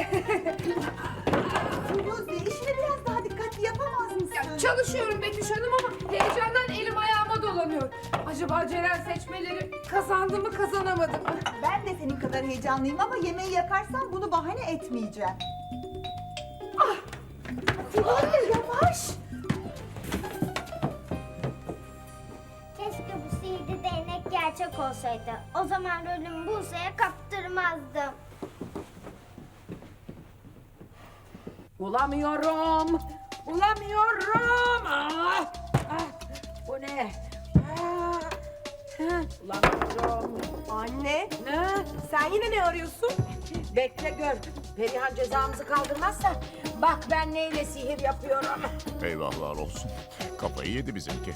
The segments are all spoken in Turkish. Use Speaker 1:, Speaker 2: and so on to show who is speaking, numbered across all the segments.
Speaker 1: Buse, işini biraz daha dikkatli yapamaz mısın?
Speaker 2: Ya, çalışıyorum Betüş Hanım ama heyecandan elim ayağıma dolanıyor. Acaba Ceren seçmeleri kazandı mı kazanamadı mı?
Speaker 1: Ben de senin kadar heyecanlıyım ama yemeği yakarsan bunu bahane etmeyeceğim. Buse, yavaş.
Speaker 3: Keşke bu sihirli değnek gerçek olsaydı. O zaman rolümü Buse'ye kaptırmazdım.
Speaker 4: Bulamıyorum. Bulamıyorum. Bu ne? Bulamıyorum.
Speaker 5: Anne,
Speaker 4: Ne?
Speaker 5: sen yine ne arıyorsun?
Speaker 4: Bekle gör. Perihan cezamızı kaldırmazsa bak ben neyle sihir yapıyorum.
Speaker 6: Eyvahlar olsun. Kafayı yedi bizimki.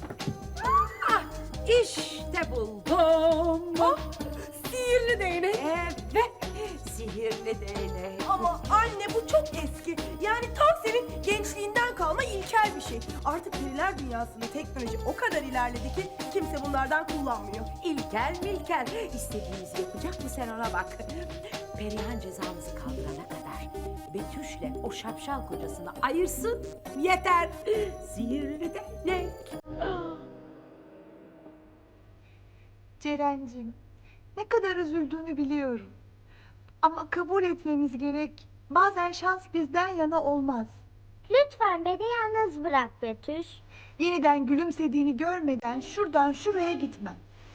Speaker 4: İşte buldum.
Speaker 5: Sihirli değnek.
Speaker 4: Evet. Sihirli değnek.
Speaker 5: Ama anne bu çok eski. Yani tam senin gençliğinden kalma ilkel bir şey. Artık periler dünyasında teknoloji o kadar ilerledi ki kimse bunlardan kullanmıyor.
Speaker 4: İlkel milkel. İstediğimizi yapacak mı sen ona bak. Perihan cezamızı kaldırana kadar Betüş'le o şapşal kocasını ayırsın yeter. Sihirli değnek.
Speaker 1: Ceren'cim, ne kadar üzüldüğünü biliyorum. Ama kabul etmemiz gerek. Bazen şans bizden yana olmaz.
Speaker 3: Lütfen beni yalnız bırak Betüş.
Speaker 1: Yeniden gülümsediğini görmeden şuradan şuraya gitmem.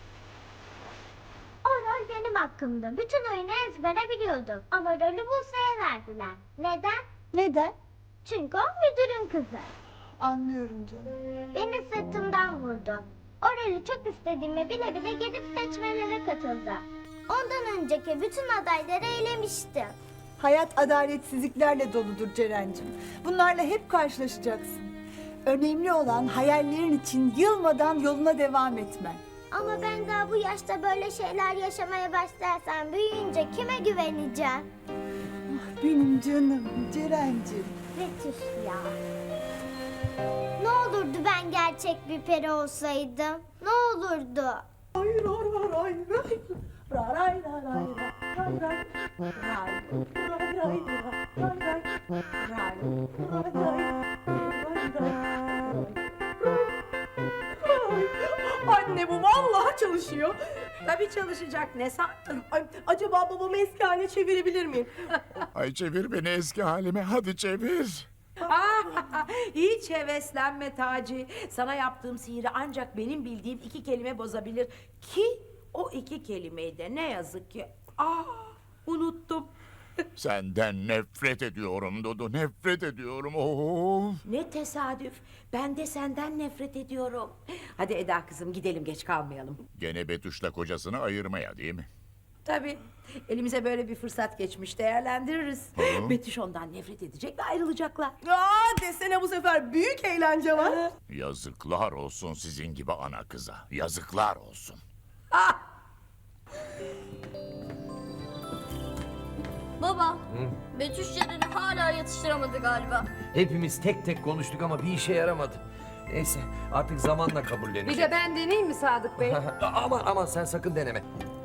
Speaker 3: O rol benim hakkımda. Bütün oyunu ezbere biliyordum. Ama rolü Buse'ye verdiler. Neden?
Speaker 1: Neden?
Speaker 3: Çünkü o müdürün kızı.
Speaker 1: Anlıyorum canım.
Speaker 3: Beni sırtımdan vurdu. O rolü çok istediğimi bile bile gidip seçmelere katıldı. Ondan önceki bütün adayları elemiştim.
Speaker 1: Hayat adaletsizliklerle doludur Ceren'cim. Bunlarla hep karşılaşacaksın. Önemli olan hayallerin için yılmadan yoluna devam etmen.
Speaker 3: Ama ben daha bu yaşta böyle şeyler yaşamaya başlarsam büyüyünce kime güveneceğim?
Speaker 1: Benim canım Ceren'cim.
Speaker 3: Betüş ya. Ne olurdu ben gerçek bir peri olsaydım? Ne olurdu?
Speaker 5: Anne bu vallahi çalışıyor.
Speaker 4: Tabii çalışacak ne sandın?
Speaker 5: Ay, acaba babamı eski haline çevirebilir miyim?
Speaker 6: Ay çevir beni eski halime. Hadi çevir.
Speaker 4: Hiç heveslenme Taci. Sana yaptığım sihiri ancak benim bildiğim iki kelime bozabilir. Ki o iki kelimeyi de ne yazık ki unuttum.
Speaker 6: Senden nefret ediyorum Dudu. Nefret ediyorum. Of.
Speaker 4: Ne tesadüf. Ben de senden nefret ediyorum. Hadi Eda kızım gidelim geç kalmayalım.
Speaker 6: Gene Betüş'le kocasını ayırmaya değil mi?
Speaker 4: Tabii. Elimize böyle bir fırsat geçmiş değerlendiririz.
Speaker 6: Hı.
Speaker 4: Betüş ondan nefret edecek ve ayrılacaklar.
Speaker 5: Desene bu sefer büyük eğlence var.
Speaker 6: Yazıklar olsun sizin gibi ana kıza. Yazıklar olsun.
Speaker 7: Baba, Betüş Ceren'i hala yatıştıramadı galiba.
Speaker 8: Hepimiz tek tek konuştuk ama bir işe yaramadı. Neyse artık zamanla
Speaker 2: Bir
Speaker 8: kabullenecek.
Speaker 2: de ben deneyeyim mi Sadık Bey?
Speaker 8: Aman sen sakın deneme.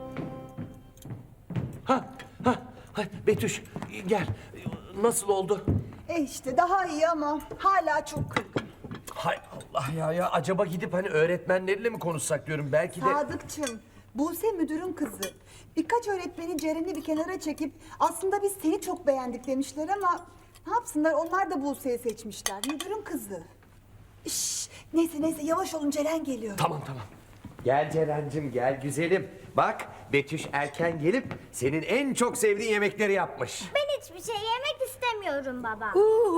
Speaker 8: Ha, Betüş gel. Nasıl oldu?
Speaker 1: İşte daha iyi ama hala çok kırgın.
Speaker 8: Hay Allah ya acaba gidip hani öğretmenleriyle mi konuşsak diyorum belki de.
Speaker 1: Sadıkçım, Buse müdürün kızı. Birkaç öğretmeni Ceren'i bir kenara çekip aslında biz seni çok beğendik demişler ama ne yapsınlar, onlar da Buse'yi seçmişler. Müdürün kızı. Neyse yavaş olun, Ceren geliyor.
Speaker 8: Tamam. Gel Ceren'cim gel güzelim. Bak Betüş erken gelip senin en çok sevdiğin yemekleri yapmış.
Speaker 3: Ben hiçbir şey yemek istemiyorum baba.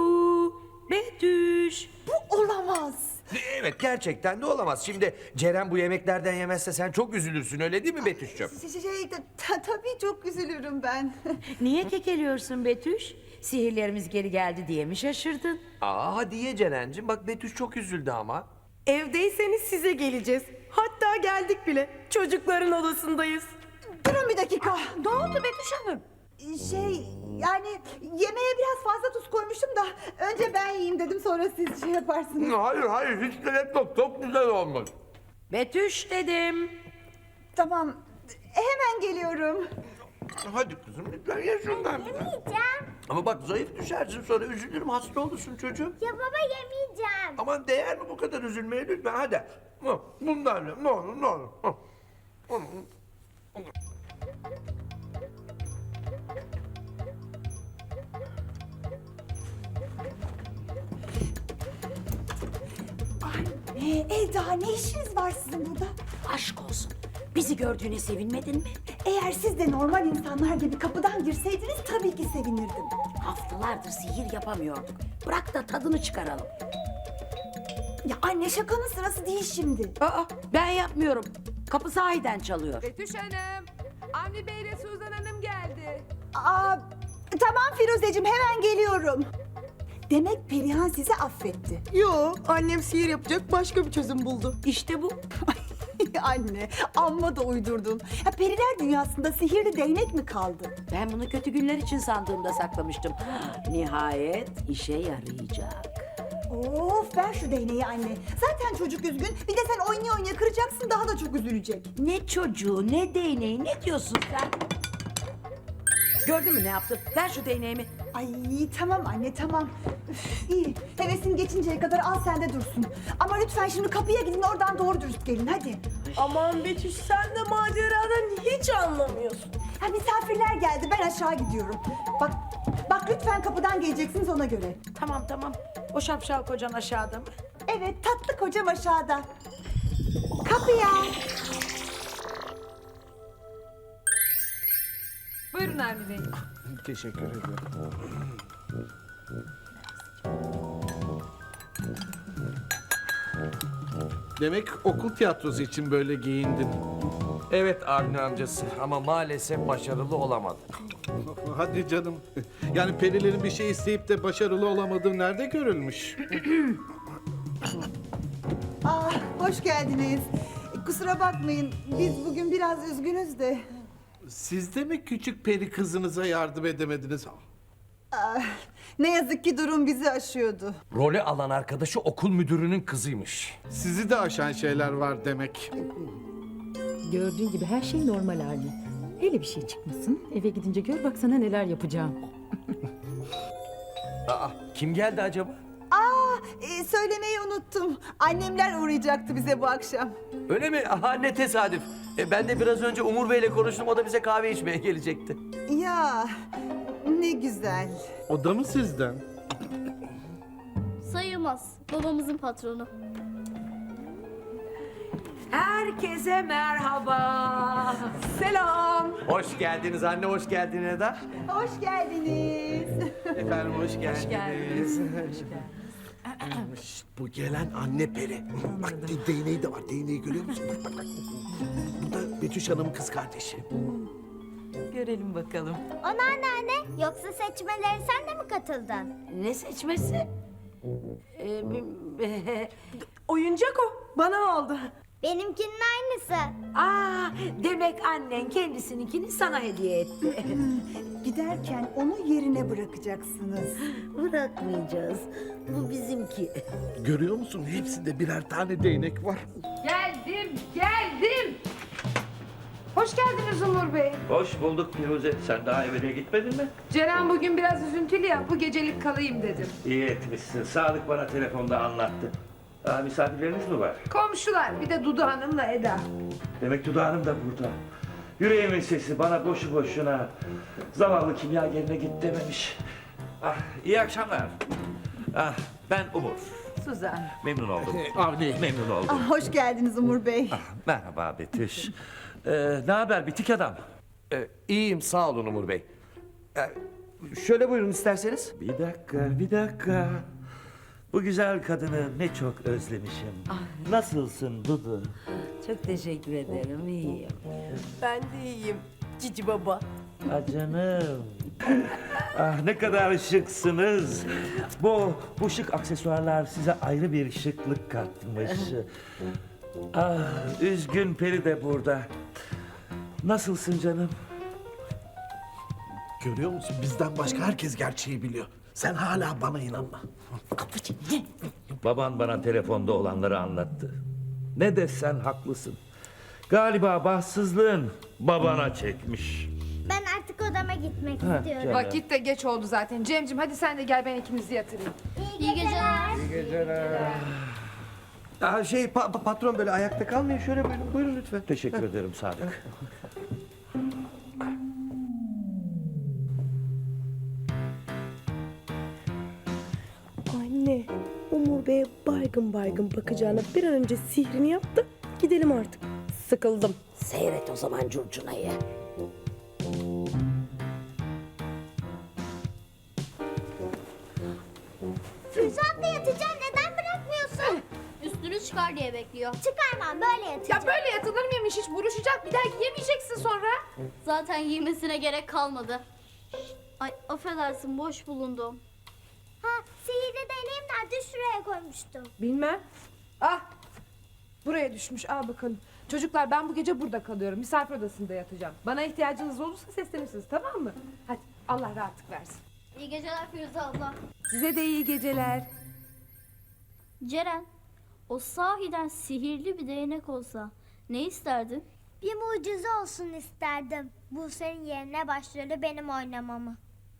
Speaker 4: Betüş.
Speaker 1: Bu olamaz.
Speaker 8: Evet gerçekten de olamaz. Şimdi Ceren bu yemeklerden yemezse sen çok üzülürsün öyle değil mi Betüş'cüğüm?
Speaker 1: Tabii çok üzülürüm ben.
Speaker 4: Niye kekeliyorsun Betüş? Sihirlerimiz geri geldi diye mi şaşırdın?
Speaker 8: Hadi ye Ceren'cim bak Betüş çok üzüldü ama.
Speaker 5: Evdeyseniz size geleceğiz. Hatta geldik bile. Çocukların odasındayız.
Speaker 1: Durun bir dakika.
Speaker 4: Ne oldu Betüş Hanım?
Speaker 1: Yani yemeğe biraz fazla tuz koymuştum da önce ben yiyeyim dedim, sonra siz şey yaparsınız.
Speaker 8: Hayır hiç gerek yok çok güzel olmuş.
Speaker 4: Betüş dedim.
Speaker 1: Tamam, hemen geliyorum.
Speaker 8: Hadi kızım lütfen ye şundan.
Speaker 3: Yemeyeceğim.
Speaker 8: Ama bak zayıf düşersin sonra üzülürüm hasta olursun çocuğum.
Speaker 3: Ya baba yemeyeceğim.
Speaker 8: Aman değer mi bu kadar üzülmeye lütfen hadi. Bundan ye ne olur ne olur.
Speaker 1: Eda ne işiniz var sizin burada?
Speaker 4: Aşk olsun. Bizi gördüğüne sevinmedin mi?
Speaker 1: Eğer siz de normal insanlar gibi kapıdan girseydiniz tabii ki sevinirdim.
Speaker 4: Haftalardır sihir yapamıyorduk. Bırak da tadını çıkaralım.
Speaker 1: Ya anne şakanın sırası değil şimdi.
Speaker 4: Aa, ben yapmıyorum. Kapı sahiden çalıyor.
Speaker 2: Betüş Hanım, Avni Bey ile Suzan Hanım geldi.
Speaker 1: Aa, tamam Firuzeciğim hemen geliyorum. Demek Perihan sizi affetti.
Speaker 5: Yo, annem sihir yapacak başka bir çözüm buldu.
Speaker 4: İşte bu.
Speaker 1: Anne amma da uydurdun. Ya periler dünyasında sihirli değnek mi kaldı?
Speaker 4: Ben bunu kötü günler için sandığımda saklamıştım. Nihayet işe yarayacak.
Speaker 1: Of ver şu değneği anne. Zaten çocuk üzgün. Bir de sen oynaya oynaya kıracaksın daha da çok üzülecek.
Speaker 4: Ne çocuğu, ne değneği, ne diyorsun sen? Gördün mü ne yaptı? Ver şu değneğimi.
Speaker 1: Ay tamam anne tamam. Üf, iyi. Hevesin geçinceye kadar al sende dursun. Ama lütfen şimdi kapıya gidin oradan doğru dürüst gelin hadi.
Speaker 5: Aman Betüş sen de maceradan hiç anlamıyorsun.
Speaker 1: Ha misafirler geldi ben aşağı gidiyorum. Bak lütfen kapıdan geleceksiniz ona göre.
Speaker 4: Tamam tamam. O şapşal kocan aşağıda mı?
Speaker 1: Evet tatlı kocam aşağıda. Kapıya.
Speaker 2: Buyurun Avni Bey.
Speaker 9: Teşekkür ederim. Demek okul tiyatrosu için böyle giyindin.
Speaker 8: Evet Avni amcası ama maalesef başarılı olamadı.
Speaker 9: Hadi canım. Yani perilerin bir şey isteyip de başarılı olamadığı nerede görülmüş?
Speaker 1: Hoş geldiniz. Kusura bakmayın biz bugün biraz üzgünüz de.
Speaker 9: Siz de mi küçük peri kızınıza yardım edemediniz?
Speaker 1: Ne yazık ki durum bizi aşıyordu.
Speaker 8: Rolü alan arkadaşı okul müdürünün kızıymış.
Speaker 9: Sizi de aşan şeyler var demek.
Speaker 10: Gördüğün gibi her şey normal hali. Hele bir şey çıkmasın. Eve gidince gör baksana neler yapacağım.
Speaker 8: Aa, kim geldi acaba?
Speaker 1: Söylemeyi unuttum. Annemler uğrayacaktı bize bu akşam.
Speaker 8: Öyle mi? Aha ne tesadüf. Ben de biraz önce Umur Bey'le konuştum. O da bize kahve içmeye gelecekti.
Speaker 1: Ya ne güzel.
Speaker 9: O da mı sizden?
Speaker 7: Sayılmaz. Babamızın patronu.
Speaker 4: Herkese merhaba.
Speaker 5: Selam.
Speaker 8: Hoş geldiniz anne, hoş geldin Eda.
Speaker 1: Hoş geldiniz.
Speaker 8: Efendim hoş geldiniz.
Speaker 9: Şşt, bu gelen anne peri. Bak değneği de var. Değneği görüyor musun? Bak. Bu da Betüş Hanım'ın kız kardeşi.
Speaker 10: Görelim bakalım.
Speaker 3: O anneanne yoksa seçmelere sen de mi katıldın?
Speaker 4: Ne seçmesi?
Speaker 5: Oyuncak o. Bana aldı.
Speaker 3: Benimkinin aynısı.
Speaker 4: Aa, demek annen kendisininkini sana hediye etti.
Speaker 1: Giderken onu yerine bırakacaksınız.
Speaker 4: Bırakmayacağız. Bu bizimki.
Speaker 9: Görüyor musun? Hepsinde birer tane değnek var.
Speaker 2: Geldim. Hoş geldiniz Umur Bey.
Speaker 11: Hoş bulduk Firuze. Sen daha evine gitmedin mi?
Speaker 2: Ceren bugün biraz üzüntülü ya, bu gecelik kalayım dedim.
Speaker 11: İyi etmişsin. Sadık bana telefonda anlattı. Misafirleriniz mi var?
Speaker 2: Komşular, bir de Dudu Hanım'la Eda.
Speaker 11: Demek Duda Hanım da burada. Yüreğimin sesi bana boşu boşuna zavallı kimyagerine git dememiş. İyi akşamlar. Ben Umur.
Speaker 4: Suzan.
Speaker 11: Memnun oldum.
Speaker 9: Avni.
Speaker 11: Memnun oldum.
Speaker 1: Hoş geldiniz Umur Bey.
Speaker 11: Merhaba Betüş. Ne haber bitik adam?
Speaker 8: İyiyim sağ olun Umur Bey. Şöyle buyurun isterseniz.
Speaker 11: Bir dakika. Bu güzel kadını ne çok özlemişim. Nasılsın Dudu?
Speaker 4: Çok teşekkür ederim. İyiyim.
Speaker 5: Ben de iyiyim. Cici baba.
Speaker 11: Canım. Ne kadar şıksınız. Bu şık aksesuarlar size ayrı bir şıklık katmış. Üzgün Peri de burada. Nasılsın canım?
Speaker 9: Görüyor musun? Bizden başka herkes gerçeği biliyor. Sen hala bana inanma.
Speaker 11: Baban bana telefonda olanları anlattı. Ne desen haklısın. Galiba bahtsızlığın babana çekmiş.
Speaker 3: Ben artık gitmek
Speaker 11: Ha,
Speaker 3: istiyorum.
Speaker 11: gel.
Speaker 2: Vakit de geç oldu zaten. Cemcim hadi sen de gel ben ikimizi yatırayım.
Speaker 3: İyi geceler.
Speaker 8: Patron böyle ayakta kalmayın. Şöyle buyurun lütfen.
Speaker 11: Teşekkür ederim Sadık.
Speaker 5: Anne, Umur Bey'e baygın baygın bakacağına bir an önce sihrini yap da gidelim artık. Sıkıldım.
Speaker 4: Seyret o zaman curcunayı.
Speaker 3: Füzat'la yatacağım, neden bırakmıyorsun?
Speaker 7: Üstünü çıkar diye bekliyor.
Speaker 3: Çıkarmam, böyle yatacağım.
Speaker 2: Ya böyle yatılır mıymış hiç buruşacak bir daha giyemeyeceksin sonra.
Speaker 7: Zaten giymesine gerek kalmadı. Ay affedersin boş bulundum.
Speaker 3: Ha, sihirli değneğim nerede? Şuraya koymuştum.
Speaker 2: Bilmem. Ah buraya düşmüş al bakalım. Çocuklar ben bu gece burada kalıyorum. Misafir odasında yatacağım. Bana ihtiyacınız olursa seslenirsiniz tamam mı? Hadi Allah rahatlık versin.
Speaker 7: İyi geceler Firuze abla.
Speaker 2: Size de iyi geceler.
Speaker 7: Ceren, o sahiden sihirli bir değnek olsa ne isterdin?
Speaker 3: Bir mucize olsun isterdim. Buse'nin yerine başrolü benim oynamamı.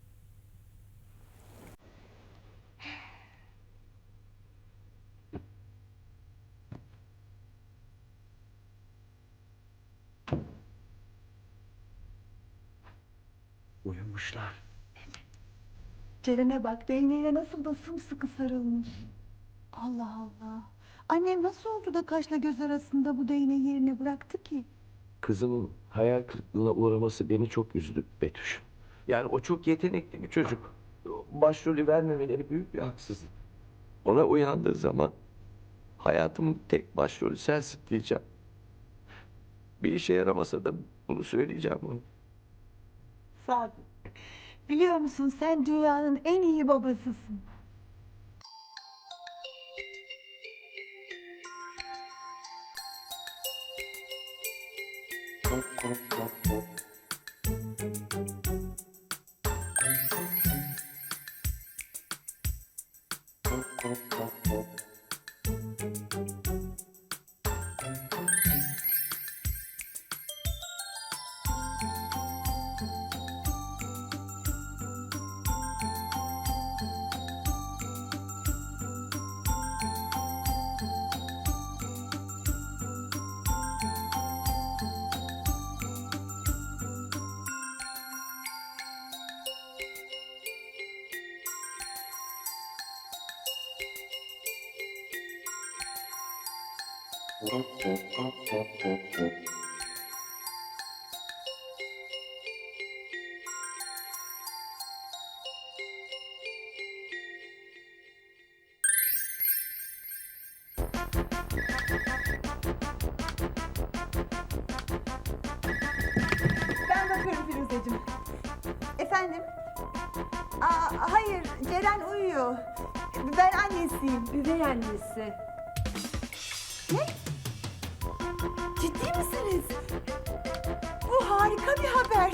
Speaker 11: Uyumuşlar.
Speaker 1: Ceren'e bak, değneğine nasıl da sımsıkı sarılmış. Allah Allah. Annem nasıl oldu da kaşla göz arasında bu değneği yerine bıraktı ki?
Speaker 11: Kızımın hayal kırıklığına uğraması beni çok üzdü Betüş. Yani o çok yetenekli bir çocuk. Başrolü vermemeleri büyük bir haksızlık. Ona uyandığı zaman hayatımın tek başrolü sensin diyeceğim. Bir işe yaramasa da bunu söyleyeceğim ona.
Speaker 1: Sadık, biliyor musun sen dünyanın en iyi babasısın. Ben bakarım Firuzeciğim. Efendim? Hayır, Ceren uyuyor. Ben annesiyim.
Speaker 2: Üvey annesi.
Speaker 1: Ne? Ciddi misiniz? Bu harika bir haber.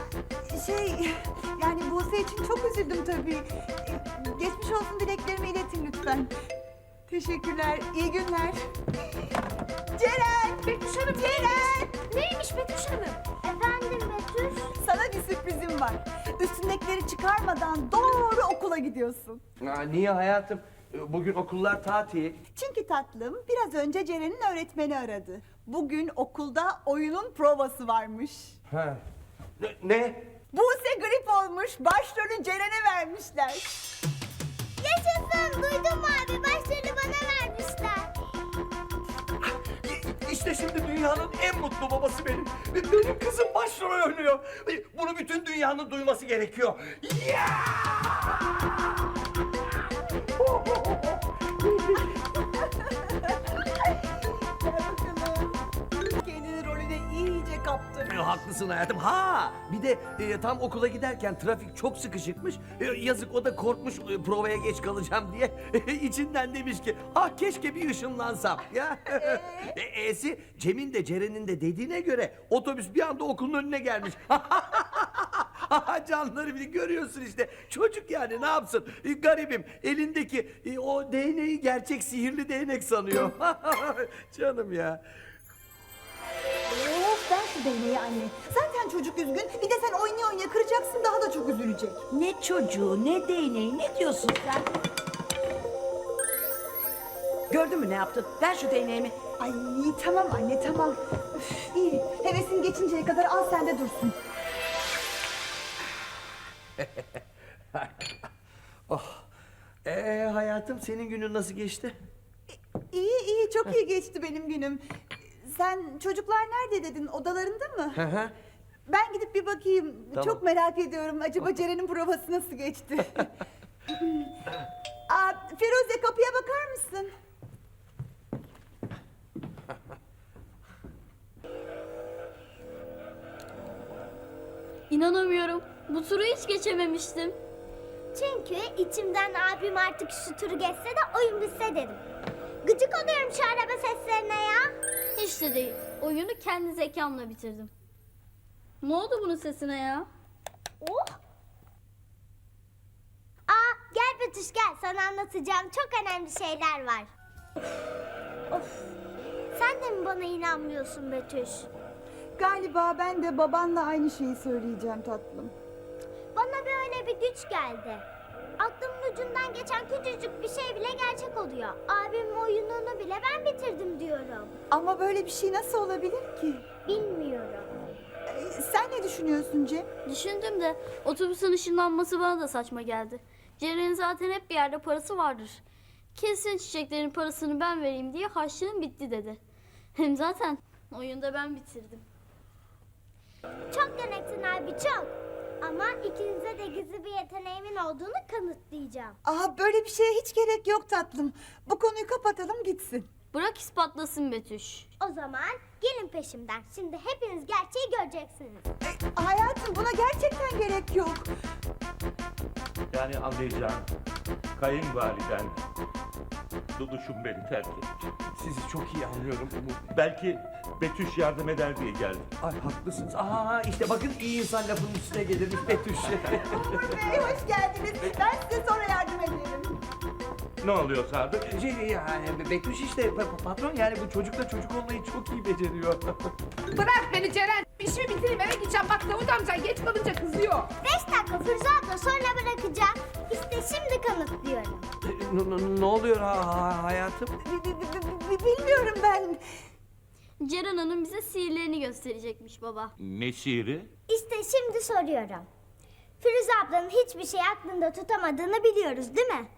Speaker 1: Yani Buse için çok üzüldüm tabii. Geçmiş olsun dileklerimi iletin lütfen. Teşekkürler, iyi günler. Ceren!
Speaker 2: Betüş Hanım
Speaker 1: Ceren!
Speaker 2: neymiş Betüş Hanım?
Speaker 3: Efendim Betüş?
Speaker 1: Sana bir sürprizim var. Üstündekileri çıkarmadan doğru okula gidiyorsun.
Speaker 8: Niye hayatım? Bugün okullar tatil.
Speaker 1: Çünkü tatlım biraz önce Ceren'in öğretmeni aradı. Bugün okulda oyunun provası varmış.
Speaker 8: Ha. Ne?
Speaker 1: Buse grip olmuş, başrolü Ceren'e vermişler.
Speaker 3: Yaşasın, duydun mu abi? Başrolü bana vermişler.
Speaker 8: İşte şimdi dünyanın en mutlu babası benim. Benim kızım başrol oynuyor. Bunu bütün dünyanın duyması gerekiyor.
Speaker 1: Kendini rolüne iyice kaptırmış.
Speaker 8: Haklısın hayatım. Ha, bir de tam okula giderken trafik çok sıkışıkmış. Yazık o da korkmuş provaya geç kalacağım diye. İçinden demiş ki, ah keşke bir ışınlansam. Ya. E'si Cem'in de Ceren'in de dediğine göre otobüs bir anda okulun önüne gelmiş. Canları bir görüyorsun işte. Çocuk yani ne yapsın? Garibim elindeki o değneği gerçek sihirli değnek sanıyor. Canım ya.
Speaker 1: Of ver şu değneği anne. Zaten Zaten çocuk üzgün. Bir de sen oynaya oynaya kıracaksın, daha da çok üzülecek.
Speaker 4: Ne çocuğu ne değneği ne diyorsun sen? Gördün mü ne yaptın? Ver şu değneğimi.
Speaker 1: Ay tamam anne tamam. Üf, iyi. Hevesin geçinceye kadar al sen de dursun.
Speaker 8: Hayatım senin günün nasıl geçti?
Speaker 1: İyi çok iyi geçti benim günüm. Sen çocuklar nerede dedin, odalarında mı?
Speaker 8: Hı hı.
Speaker 1: Ben gidip bir bakayım.
Speaker 8: Tamam.
Speaker 1: Çok merak ediyorum. Acaba Ceren'in provası nasıl geçti? Firuze, kapıya bakar mısın?
Speaker 7: İnanamıyorum. Bu turu hiç geçememiştim.
Speaker 3: Çünkü içimden abim artık şu turu geçse de oyun bitse dedim. Gıcık oluyorum şu araba seslerine ya.
Speaker 7: Hiç de değil. Oyunu kendi zekamla bitirdim. Ne oldu bunun sesine ya?
Speaker 3: Oh. Gel Betüş gel, sana anlatacağım çok önemli şeyler var. Of. Sen de mi bana inanmıyorsun Betüş?
Speaker 1: Galiba ben de babanla aynı şeyi söyleyeceğim tatlım.
Speaker 3: Bana böyle bir güç geldi. Aklımın ucundan geçen küçücük bir şey bile gerçek oluyor. Abimin oyununu bile ben bitirdim diyorum.
Speaker 1: Ama böyle bir şey nasıl olabilir ki?
Speaker 3: Bilmiyorum.
Speaker 1: Sen ne düşünüyorsun Cem?
Speaker 7: Düşündüm de otobüsün ışınlanması bana da saçma geldi. Ceren'in zaten hep bir yerde parası vardır. Kesin çiçeklerin parasını ben vereyim diye harçlığım bitti dedi. Hem zaten oyunda ben bitirdim.
Speaker 3: Çok deneksin abi çok. Ama ikinize de gizli bir yeteneğimin olduğunu kanıtlayacağım.
Speaker 1: Böyle bir şeye hiç gerek yok tatlım. Bu konuyu kapatalım gitsin.
Speaker 7: Bırak ispatlasın Betüş.
Speaker 3: O zaman gelin peşimden. Şimdi hepiniz gerçeği göreceksiniz.
Speaker 1: Hayatım, buna gerçekten gerek yok.
Speaker 12: Yani anlayacağın kayınvaliden Duduş'um beni terk etti.
Speaker 8: Sizi çok iyi anlıyorum.
Speaker 12: Belki Betüş yardım eder diye geldim.
Speaker 8: Ay haklısınız. İşte bakın iyi insan lafının üstüne gelirmiş Betüş.
Speaker 1: Bey, hoş geldiniz. Ben size sonra yardım ederim.
Speaker 12: Ne oluyor Sadık?
Speaker 8: Yani Betüş işte patron, yani bu çocukla çocuk olmayı çok iyi beceriyor.
Speaker 2: Bırak beni Ceren. İşimi bitireyim eve gideceğim. Bak Davut amca geç kalınca kızıyor.
Speaker 3: 5 dakika Firuze abla, sonra bırakacağım. İşte şimdi kanıtlıyorum.
Speaker 8: Ne oluyor hayatım?
Speaker 1: Bilmiyorum ben.
Speaker 7: Ceren Hanım bize sihirlerini gösterecekmiş baba.
Speaker 12: Ne şiiri?
Speaker 3: İşte şimdi soruyorum. Firuze ablanın hiçbir şey aklında tutamadığını biliyoruz değil mi?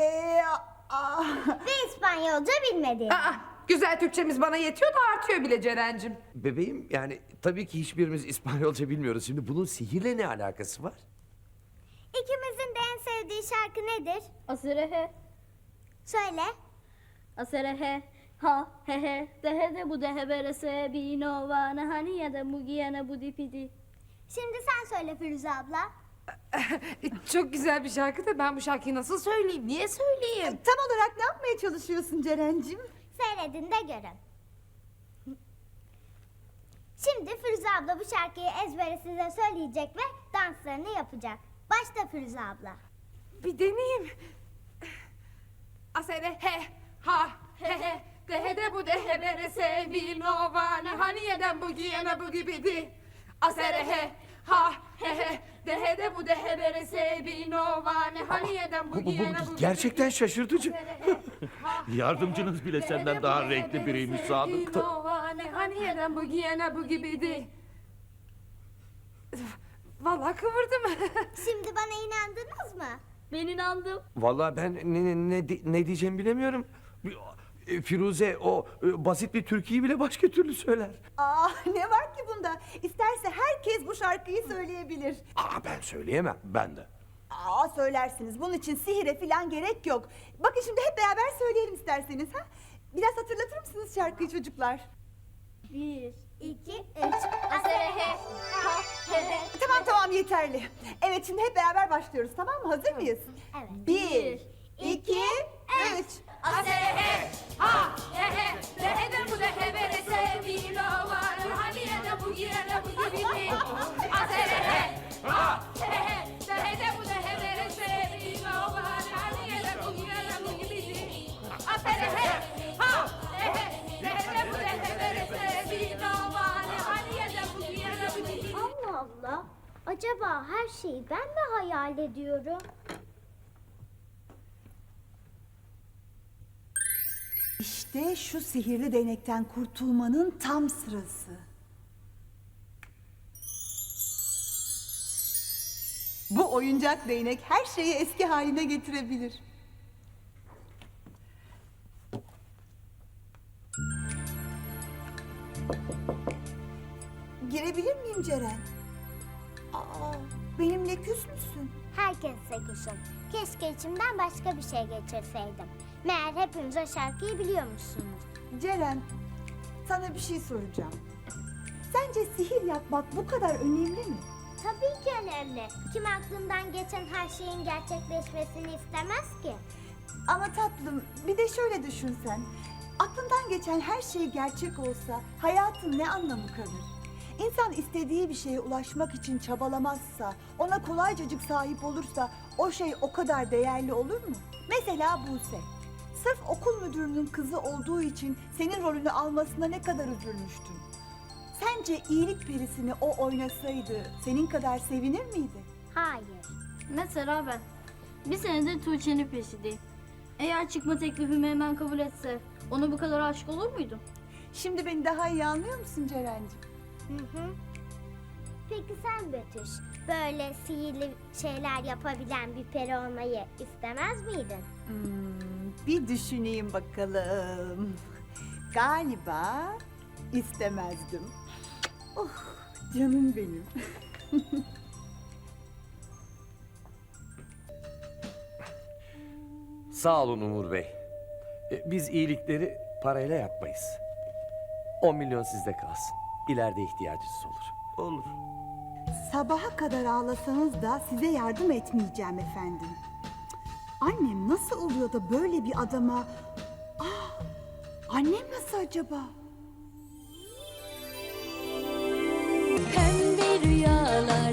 Speaker 3: Ve İspanyolca bilmediğini.
Speaker 2: Güzel Türkçemiz bana yetiyor da artıyor bile Ceren'cim.
Speaker 8: Bebeğim, yani tabii ki hiçbirimiz İspanyolca bilmiyoruz. Şimdi bunun sihirle ne alakası var?
Speaker 3: İkimizin de en sevdiği şarkı nedir?
Speaker 7: Aserehe,
Speaker 3: Söyle.
Speaker 7: aserehe, ha he he, dehe de bu dehe berese, bino vane hani ya da mugiyana bu dipidi.
Speaker 3: Şimdi sen söyle Firuze abla.
Speaker 2: Çok güzel bir şarkı da ben bu şarkıyı nasıl söyleyeyim? Niye söyleyeyim?
Speaker 1: Tam olarak ne yapmaya çalışıyorsun Ceren'cim?
Speaker 3: Seyredin de görün. Şimdi Firuze abla bu şarkıyı ezbere size söyleyecek ve danslarını yapacak. Başla Firuze abla.
Speaker 2: Bir deneyeyim. Aserehe, ha he he, dehe de bu dehe berese, bino vane hani yeden bu giyene bu gibidi. Aserehe, ha he he, dehe de bu dehe berese, bino vane hani yeden bu giyene bu
Speaker 8: Gerçekten şaşırtıcı.
Speaker 12: Yardımcınız bile senden daha renkli biriymiş Sadık.
Speaker 2: Bino vane hani yeden bu giyene bu gibidi. Vallahi kıvırdım.
Speaker 3: Şimdi bana inandınız mı?
Speaker 7: Ben inandım.
Speaker 8: Vallahi ben ne diyeceğimi bilemiyorum. Firuze o basit bir türküyü bile başka türlü söyler.
Speaker 1: Ne var ki bunda? İsterse herkes bu şarkıyı söyleyebilir.
Speaker 8: Ben söyleyemem. Ben de.
Speaker 1: Söylersiniz. Bunun için sihire falan gerek yok. Bakın şimdi hep beraber söyleyelim isterseniz. Biraz hatırlatır mısınız şarkıyı çocuklar?
Speaker 7: 1,
Speaker 3: 2, 3.
Speaker 7: aserehe, ha he he.
Speaker 1: Tamam yeterli. Evet, şimdi hep beraber başlıyoruz, tamam mı? Hazır mıyız?
Speaker 3: Evet.
Speaker 1: 1, 2, 3.
Speaker 2: Aserehe, ha he he, dehe de bu dehe berese, bino vane hani yeden bu giyene bu gibidi. Aserehe, ha he he, dehe de bu dehe berese, bino vane hani yeden bu giyene bu gibidi. Aserehe, ha he he, dehe de bu dehe berese, bino vane hani yeden bu giyene bu gibidi.
Speaker 3: Acaba her şeyi ben mi hayal ediyorum?
Speaker 1: İşte şu sihirli değnekten kurtulmanın tam sırası. Bu oyuncak değnek her şeyi eski haline getirebilir. Girebilir miyim Ceren? Aa, benimle küs müsün?
Speaker 3: Herkese kuşum. Keşke içimden başka bir şey geçirseydim. Meğer hepiniz o şarkıyı biliyormuşsunuz.
Speaker 1: Ceren, sana bir şey soracağım. Sence sihir yapmak bu kadar önemli mi?
Speaker 3: Tabii ki önemli. Kim aklından geçen her şeyin gerçekleşmesini istemez ki?
Speaker 1: Ama tatlım, bir de şöyle düşünsen. Aklından geçen her şey gerçek olsa hayatın ne anlamı kalır? İnsan istediği bir şeye ulaşmak için çabalamazsa, ona kolaycacık sahip olursa o şey o kadar değerli olur mu? Mesela Buse. Sırf okul müdürünün kızı olduğu için senin rolünü almasına ne kadar üzülmüştün. Sence iyilik perisini o oynasaydı senin kadar sevinir miydi?
Speaker 3: Hayır.
Speaker 7: Mesela ben. Bir senedir Tuğçe'nin peşindeyim. Eğer çıkma teklifimi hemen kabul etse ona bu kadar aşık olur muydum?
Speaker 1: Şimdi beni daha iyi anlıyor musun Ceren'ciğim?
Speaker 3: Hı hı. Peki sen Betüş, böyle sihirli şeyler yapabilen bir peri olmayı istemez miydin?
Speaker 1: Bir düşüneyim bakalım. Galiba istemezdim. Oh, canım benim.
Speaker 8: Sağ olun Umur Bey. Biz iyilikleri parayla yapmayız. 10 milyon sizde kalsın. İleride ihtiyacınız olur.
Speaker 12: Olur.
Speaker 1: Sabaha kadar ağlasanız da size yardım etmeyeceğim efendim. Annem nasıl oluyor da böyle bir adama... annem nasıl acaba?
Speaker 2: Pembe rüyalar